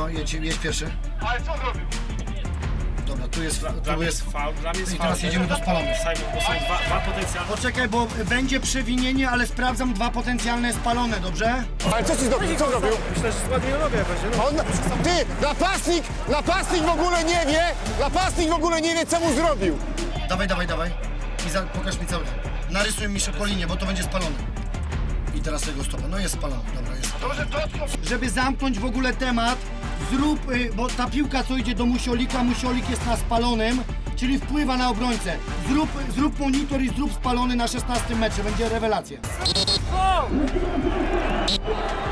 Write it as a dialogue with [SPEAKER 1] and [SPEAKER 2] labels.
[SPEAKER 1] No, jedź pierwszy.
[SPEAKER 2] Ale co zrobił?
[SPEAKER 1] Dobra, tu jest
[SPEAKER 3] Dla mnie jest faul, dla mnie jest
[SPEAKER 1] I
[SPEAKER 3] faul.
[SPEAKER 1] teraz jedziemy do spalonych.
[SPEAKER 3] Simon, bo są dwa potencjalne.
[SPEAKER 1] Poczekaj, bo będzie przewinienie, ale sprawdzam dwa potencjalne spalone, dobrze?
[SPEAKER 4] Ale co ci zrobił? Co zrobił?
[SPEAKER 3] Myślę, że ładnie robię będzie.
[SPEAKER 4] On, ty, napastnik w ogóle nie wie, napastnik w ogóle nie wie, co mu zrobił.
[SPEAKER 1] Dawaj. I pokaż mi cały. Narysuj mi szybko linię, bo to będzie spalone. I teraz tego stopa. No jest spalony, dobra, jest spalony. Żeby zamknąć w ogóle temat, zrób, bo ta piłka co idzie do Musiolika, Musiolik jest na spalonym, czyli wpływa na obrońcę. Zrób monitor i zrób spalony na 16 metrze, będzie rewelacja.